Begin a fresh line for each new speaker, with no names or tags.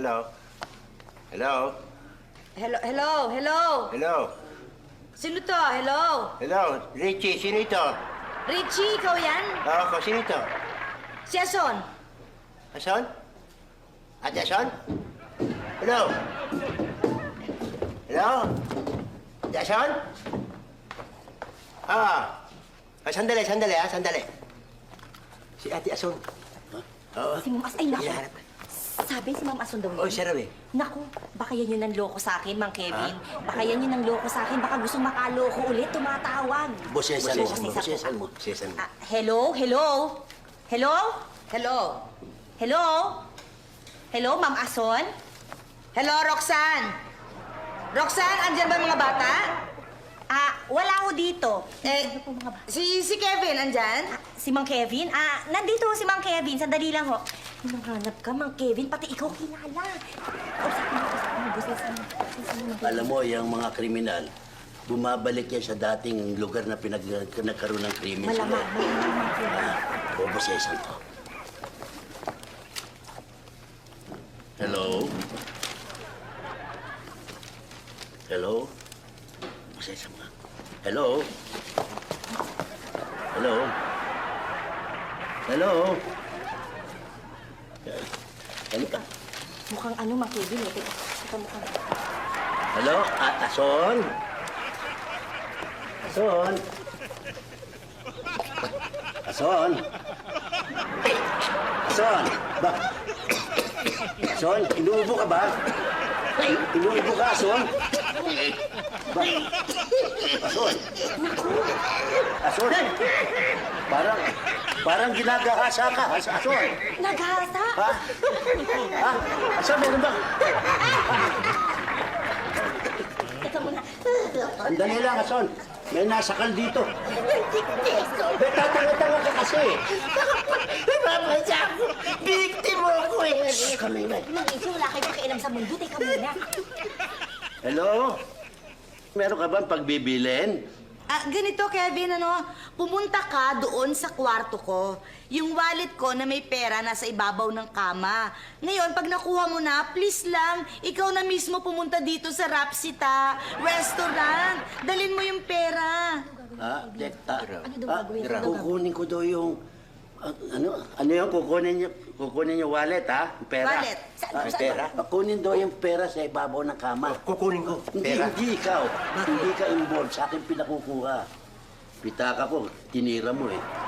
hello. Hello?
Hello?
Hello?
Sino to? Hello?
Hello? Richie, sino ito?
Richie, ikaw yan?
Oo, ako, sino ito?
Si Ason?
Ason? Ate Ason? Hello? Hello? Ate Ason? Sandali, sandali. Si Ate Ason. Oo.
Si Ma'am Ason. Ay, naku.
Hinahanap.
Sabi si Ma'am Ason daw yun.
Oh, siya raw eh.
Naku, baka yan yung nanloko sa akin, Mang Kevin. Baka yan yung nanloko sa akin. Baka gusto makaloko ulit, tumatawag.
Bosesan mo.
Bosesan
Bosesan
mo.
mo. Bosesan mo.
Hello? Hello, Ma'am Ason? Hello, Roxanne? Roxanne, andyan ba mga bata? Wala ho dito. Si Kevin, andyan? Si Mang Kevin? Nandito si Mang Kevin. Sandali lang ho. Nanghanap ka, Mang Kevin. Pati ikaw kilala.
Alam mo, yung mga kriminal, bumabalik yan sa dating lugar na nagkaroon ng krimen sila.
Malamang, Mang Kevin.
Bobosesan to. Hello? Hello? Bobosesan mo. Hello? Hello? Hello? Ano ka?
Mukhang ano, Mang Kevin, eh. Teka, mukhang...
Hello? Ason? Ason? Ason? Ason? Ba? Ason? Inuubo ka ba? Inuubo ka, Ason? Ba? Ason? Ason? Parang ginagahasa ka, Ason.
Naghasa?
Ha? Ha? Ason, meron ba?
Teka muna.
Andali lang, Ason. May nasakal dito. Tatanga-tanga ka kasi.
Napapasya ako. Biktima ako eh.
Kami na.
Mag-isip, wala kayo pakialam sa mundo. Teka muna.
Hello? Meron ka bang pagbibilin?
Ganito, Kevin, pumunta ka doon sa kwarto ko. Yung wallet ko na may pera nasa ibabaw ng kama. Ngayon, pag nakuha mo na, please lang, ikaw na mismo pumunta dito sa Rapsita Restaurant. Dalin mo yung pera.
Ano daw gagawin?
Kukunin ko daw yung... Ano yung kukunin yung wallet, ha? Pera.
Wallet?
Saan?
Pera. Kunin daw yung pera sa ibabaw ng kama.
Kukunin ko. Pera.
Hindi ikaw. Hindi ka involved. Sa akin pinakukuha. Pitaka ko, tinira mo eh.